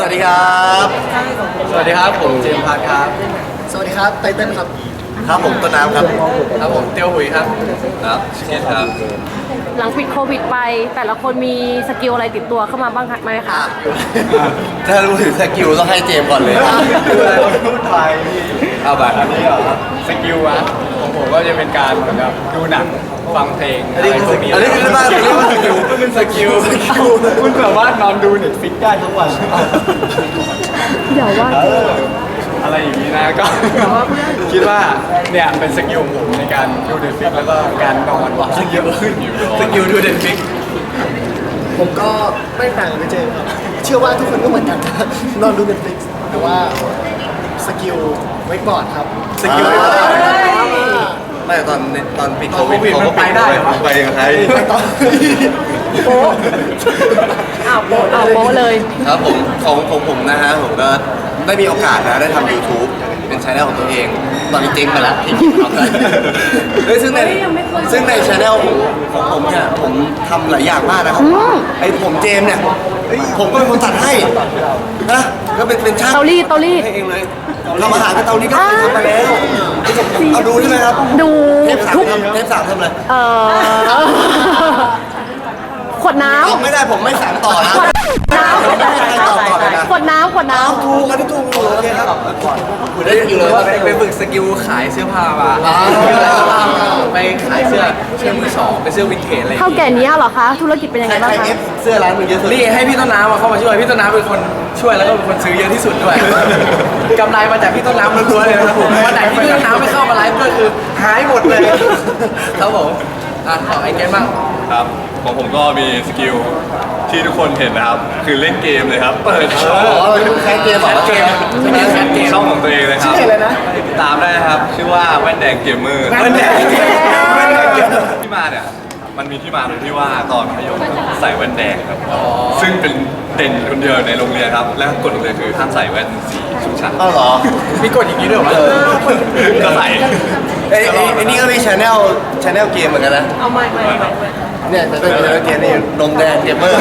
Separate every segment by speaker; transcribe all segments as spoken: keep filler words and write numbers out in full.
Speaker 1: วัสดีครับสวัสดีครับผมเจมส์พัทครับ
Speaker 2: สวัสดีครับไตเติ้ลครับ
Speaker 1: ครับผมต้นน้ำครับครับผมเตียวหุยครับครับชิคเก้นครับ
Speaker 3: หลังปิดโควิดไปแต่ละคนมีสกิลอะไรติดตัวเข้ามาบ้างไหมคะ
Speaker 1: ถ้ารู้ถึงสกิลต้องให้เจมส์ก่อนเลย
Speaker 4: ดูอะไรพูดไทย
Speaker 1: เอาแบบอันนี้เหรอ
Speaker 4: สกิลวะของผมก็จะเป็นการเหมือนกับดูหนังฟังเพลง
Speaker 1: อันนี้คืออันนี้คือบ้านเรียกว่าสกิล
Speaker 4: ก็เป็นสกิลคุณแบบว่านอนดูเน็ตฟิกได้ทั้งวัน
Speaker 3: เดี๋ยวว่า
Speaker 4: อะไรอย่างนี้นะก็คิดว่าเนี่ยเป็นสกิลของผมในการดูเน็ตฟิกแล้วก็การนอนสกิลขึ้นอยู่
Speaker 1: สกิลดูเด็ดฟิก
Speaker 2: ผมก็ไม่ต่างกับเจมส์ครับเชื่อว่าทุกคนก็เหมือนกันนอนดู Netflix แต่ว่าสกิลเวกบอร์ดครับ
Speaker 1: สกิลไม่ตอนตอนปิดโควิดเขาก็ไปได้ไปยังไง
Speaker 2: โป๊ะ
Speaker 3: อ้าวโป๊ะอ้าวโป๊ะเลย
Speaker 1: ครับผมของของผมนะฮะผมก็ได้มีโอกาสนะได้ทำ YouTube เป็นช่องของตัวเอง ตอนนี้เจ๊งไปแล้วที่คิดทำได้เฮ้ยซึ่งในซึ่งในช่องของผมเนี่ยผมทำหลายอย่างมากนะครับไอ้ผมเจมเนี่ยผมก็เป็นคนตัดให้นะก็เป็นเป็นช่าง
Speaker 3: เตารีดเตารีด
Speaker 1: ให้เองเลยทำอาหารกับเตานี้ก็เคยทำมาแล้วเอาดูใช่ไหมครับ
Speaker 3: ดู
Speaker 1: เทปสามทำเทปสามทำอะไร
Speaker 3: เออขวดน้ำ
Speaker 1: ไม่ได้ผมไม่สั่งต่อนะ
Speaker 3: น้ำขวดน้ำขวดน้ำ
Speaker 1: ถูกอันนี้ถูกโอเคครับคุณได้สกิลเลยไปฝึกสกิลขายเสื้อผ้ามาไปขายเสื้อเสื้อมือสองเป็นเสื้อวินเทจอะไร
Speaker 3: เท่าแก่นี้เหรอคะธุรกิจเป็นยังไงบ้างคะ
Speaker 1: เสื้อร้านมึงเยอะสุดนี่ให้พี่ต้นน้ำมาเข้ามาช่วยพี่ต้นน้ำเป็นคนช่วยแล้วก็เป็นคนซื้อเยอะที่สุดด้วยกำไรมาจากพี่ต้นน้ำล้วนๆเลยนะครับผมวันไหนที่พี่ต้นน้ำไม่เข้ามาไลฟ์ก็คือหายหมดเลยครับผมอ่ะขอไอเกมบ้าง
Speaker 4: ครับของผมก็มีสกิลที่ทุกคนเห็นนะครับคือเล่นเกมเลยครับเปิดช่อง
Speaker 1: แคสเกมเหรอ
Speaker 4: เกมแคสเกมช่องของตัวเองเลยครับ
Speaker 2: ชื่ออะไรนะ
Speaker 4: ติดตามได้ครับชื่อว่าแว่นแดงเกมเมอร์
Speaker 1: แว่นแดง
Speaker 4: ที่มาเนี่ยมันมีที่มาตรงที่ว่าตอนมัธยมใส่แว่นแดงครับซึ่งเป็นเด่นคนเดียวในโรงเรียนครับและกฎโรงเรียนคือห้ามใส่แว่นสีชุดชั้น
Speaker 1: อ๋อเหรอ
Speaker 4: มีกฎอย่างนี้ด้วยเหรอก็ใส่
Speaker 1: ไอ้ไอ้นี่ก็มีชาแนลชาแนลเกมเหมือนกันนะ
Speaker 3: เอาไม่ไม่ไม่
Speaker 1: เนี่ยจะเป็นชาแนลเกมนี่นมแดงเกมเมอร์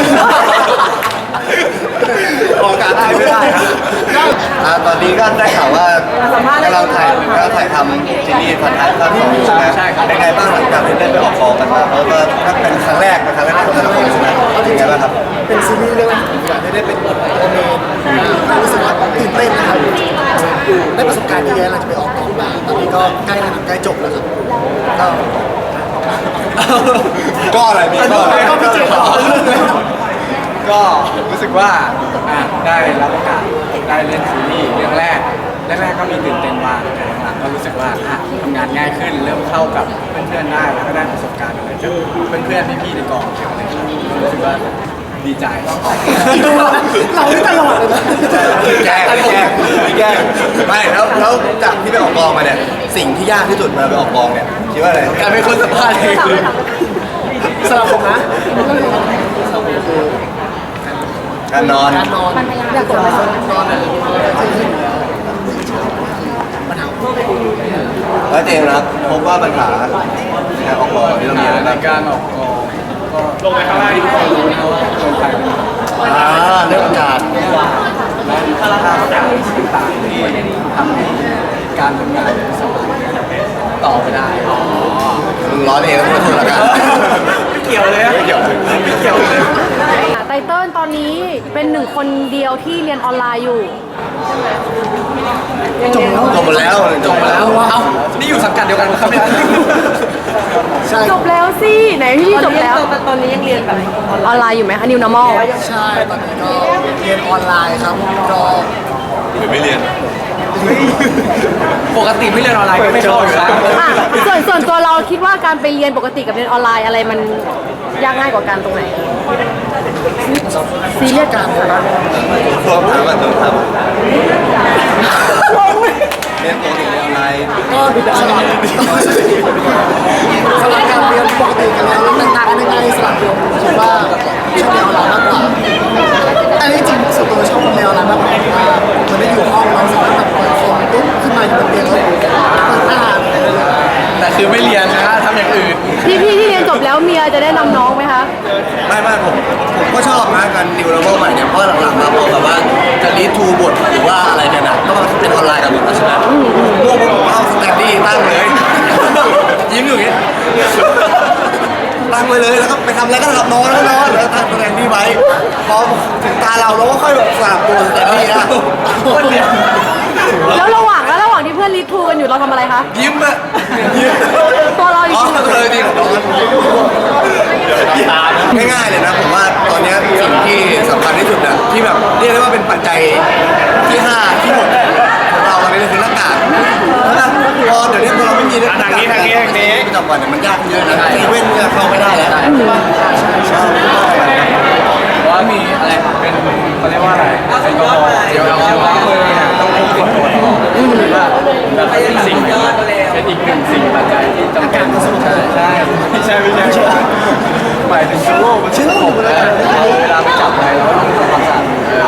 Speaker 1: ออกอากาศได้ไม่ได้ครับตอนนี้ก็ได้ข่าวว่ากำลังถ่ายกำลังถ่ายทำซีรีส์พันท้ายภาคสองใช่ไหมเป็นไงบ้างหลังจากที่ได้ไปออกกองกันมาเพราะว่าถ้าเป็นครั้งแรกเป็นครั้งแรกของแต่ละคนใช่ไหมเป็นไงบ้างครับ
Speaker 2: เป็นซีรีส์เรื่องแรกที่ได้เป็นตัวเมนรู้สึกว่าตื่นเต้นนะครับได้ประสบการณ์เยอะแยะหลังจากไปออกกองมาตอนนี้ก็ใกล้ใกล้จบแล้วครับก็
Speaker 4: ก็อะไรพี่ก็อะไร
Speaker 2: ก็พี่เจมส์
Speaker 4: ก็รู้สึกว่าได้รับโอกาสได้เล่นซีรีส์เรื่องแรกแรกๆก็มีตื่นเต้นบ้างแต่หลังๆก็รู้สึกว่าทำงานง่ายขึ้นเริ่มเข้ากับเพื่อนๆได้แล้วก็ได้ประสบการณ์อะไรจากเพื่อนๆพี่ๆในกองเกี่ยวอะไรครับรู้สึกว่าดีใจ
Speaker 2: เราไม่ตลอดเลยนะ
Speaker 1: แก้แก้แก้ไม่แล้วแล้วจากที่ไปออกกองมาเนี่ยสิ่งที่ยากที่สุดมาไปออกกองเนี่ยคิดว่าอะไรการเป็นคนสัมภาษณ์เอง
Speaker 2: สำหรับผมนะ
Speaker 1: การนอน
Speaker 2: การนอนอยากกดนอนนอนอะไรปัญหา
Speaker 1: แล้วเจมส์นะครับพบว่าปัญหาการออกกองที่เรามีอะไร
Speaker 4: ในการออกกองก็ลงไปข้างล่างที่ทุกคนรู้นะว่าคนไทยเป็น
Speaker 1: อ่าเรื่องอากาศ
Speaker 4: และค่าราคาต่างๆที่ทำให้การทำงานสบายต่อไปได้อ๋อ
Speaker 1: มึงร้อนเองแล้วมึงถูกแล้วกัน
Speaker 4: ไม่เกี่ยวเลยไม่เกี่ยวไม่เกี่ยวเลย
Speaker 3: ไตเติ้ลตอนนี้เป็นหนึ่งคนเดียวที่เรียนออนไลน์อยู่
Speaker 1: จบแล้วจบหมดแล้ว
Speaker 4: จบหมดแล้วเอ้านี่อยู่สังกัดเดียวกันครับเนี่ย
Speaker 3: จบแล้วสิไหนพี่จบแล้วตอนนี้ยังเรียนแบบออนไลน์อยู่ไหมคะ New Normal
Speaker 2: ใช่ตอนนี้ก็เรียนออนไลน์ครับก็
Speaker 4: หรือไม่เรียนปกติไม่เรียนออนไลน์ก็ไม่ชอบอยู่แล้ว
Speaker 3: ส่วนส่วนตัวเราคิดว่าการไปเรียนปกติกับเรียนออนไลน์อะไรมันยากง่ายกว่ากันตรงไหนซีเรียสกัน
Speaker 1: พวกถามแบบถามเรียนปกติเรียนออนไลน์
Speaker 2: ก็สลับสลับการเรียนปกติกันแล้วต่างๆกันยังไงสลับผมคิดว่าชอบเรียนออนไลน์มากกว่าอันนี้จริงส่วนตัวชอบเรียนออนไลน์มากกว่ามันได้อยู่ห้องเราสามารถแบบเปิดคอมปุ๊บขึ้นมาอยู่บนเตียงแล้วเปิดหน้า
Speaker 4: แต่คือไม่เรียนนะทำอย่างอื่น
Speaker 3: พี่พี่ที่เรียนจบแล้วเมียจะได้นำน้องไหมคะ
Speaker 1: ไม่ไม่ผมผมก็ชอบนะการดิวโลโก้ใหม่เนี่ยเพราะหลังๆมาพอแบบว่าจะจะรีดทูบทหรือว่าอะไรกันนะก็มาเป็นออนไลน์กันหมดแล้วใช่ไหมพวกผมเอาสแตนดี้ตั้งเลย ยิ้มอยู่อย่างเงี้ยตั้งไว้เลยแล้วก็ไปทำอะไรก็ทำนอนแล้วก็นอนแล้วตั้งสแตนดี้ไว้พอถึงตาเราเราก็ค่อยแบบสลับตัวสแตนดี้นะคนเดียว
Speaker 3: แล้วระหว่างแล้วระหว่างที่เพื่อนรีทูกันอยู่เราทำอะไรคะ
Speaker 1: ยิ้มอะยิ้ม
Speaker 3: ตัวเราอยู่
Speaker 1: อ๋อ
Speaker 3: ที่
Speaker 1: เลยจริงนอนง่ายๆเลยนะผมว่าตอนเนี้ยสิ่งที่สำคัญที่สุดอะที่แบบเรียกได้ว่าเป็นปัจจัยที่ห้าที่หกของเราตอนนี้คือหน้ากากนะพอเดี๋ยวนี้พอเราไม่มีหน้ากากทางนี้ทางนี้ประจำวันเนี่ยมันยากเยอะนะเซเว่นเนี่ยเข้าไม่ได้แล้วใช่ปะใช่
Speaker 4: ว่ามีอะไรเป็นเขาเรียกว่าอะไรแอลกอฮอล์เจลแอลกอฮอล์มือเนี่ยต้องพกติดตัวตลอดหรือว่าแบบเป็นสิ่งเป็นอีกหนึ่งสิ่งปัจจัยที่จำเป็นใช่ใช่ไม่ใช่ไม่ใช่หมายถึงเชื้อโรคมันเชื้อโรคเลยเวลาไปจับอะไรเราต้องทำความสะอาด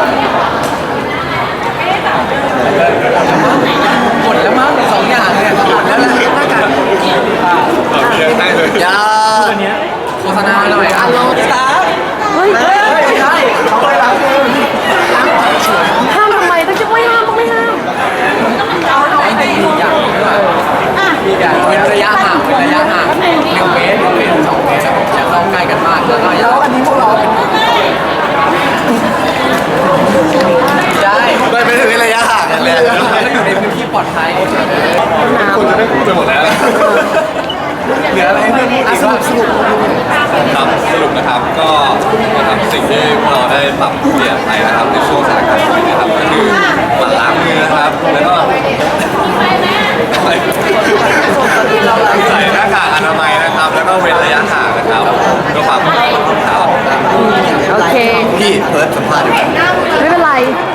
Speaker 4: หมดแล้วมั้งสองอย่างเนี่ยหมดแล้วแหละหน้ากาก
Speaker 1: ยา
Speaker 4: โฆษณาหน่อยอ่ะโลตา
Speaker 3: เฮ้ย
Speaker 4: ใช่เขาไปล้างมือ
Speaker 3: ห้ามทำไมต้องจะไม่ห้ามต้องไม่ห้าม
Speaker 4: ไอ้นี่อีกอย่างนึงด้วยมีอย่างเว้นระยะห่างเว้นระยะห่างหนึ่งเมตรหนึ่งเมตรสองเมตรอย่าเข้าใกล้กันมากแล้วก็อย่าอันนี้พวกเราได้
Speaker 1: ไม่ไม่ถึงระยะห่างกันเลย
Speaker 4: แล้วอยู่ในพื้นที่ปลอดภัย
Speaker 1: คนจะได้พูดไปหมดแล้ว
Speaker 4: เหลืออะไรให้เพื่อนพูดอีกบ้างสรุป
Speaker 5: ครับสรุปนะครับก็นะครับสิ่งที่พวกเราได้ปรับเปลี่ยนไปนะครับในช่วงสถานการณ์โควิดนะครับก็คือหมั่นล้างมือนะครับแล้วก็ใส่หน้ากากอนามัยนะครับ แล้วก็เว้นระยะห่างนะครับก็ฝากทุกคนนะครับ
Speaker 3: โอเค
Speaker 1: พี่เพิร์ดสัมภาษณ์อยู่ไหม
Speaker 3: ไม่เป็นไร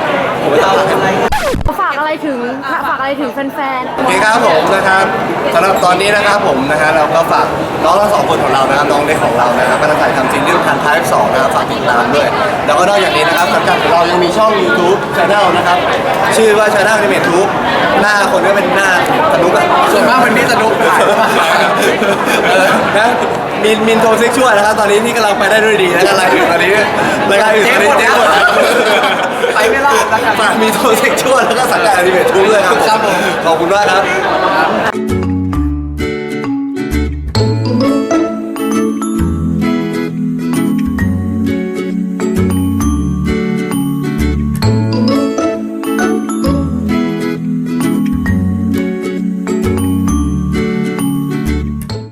Speaker 3: ฝากอะไรถึงฝากอะไรถึงแฟน
Speaker 1: โอเคครับผมนะครับสำหรับตอนนี้นะครับผมนะฮะเราก็ฝากน้องทั้งสองคนของเรานะครับน้องเล็กของเรานะครับก็จะถ่ายทำซีรีส์ทันท้ายสองนะครับฝากติดตามด้วย แล้วก็นอกจากนี้นะครับสังกัดของเรายังมีช่อง YouTube Channel นะครับชื่อว่า Channel Animate Tube หน้าคนก็เป็นหน้าสนุกอะ
Speaker 4: ส่วนมากเป็นพี่สนุกถ่าย
Speaker 1: เออนะมินมินโทเซ็กชวลนะครับตอนนี้ที่กำลังไปได้ด้วยดีนะครับรายอื่นตอนนี้รายการอื่นตอนนี้เจ๊งหมดแล้ว
Speaker 4: ไปไม่รอดแล้วกัน
Speaker 1: ฝากมีโทเซ็กชวลแล้วก็สังกัดอนิเมททูบด้วยครับ
Speaker 4: ครับผม
Speaker 1: ขอบคุณมากครับ
Speaker 4: ค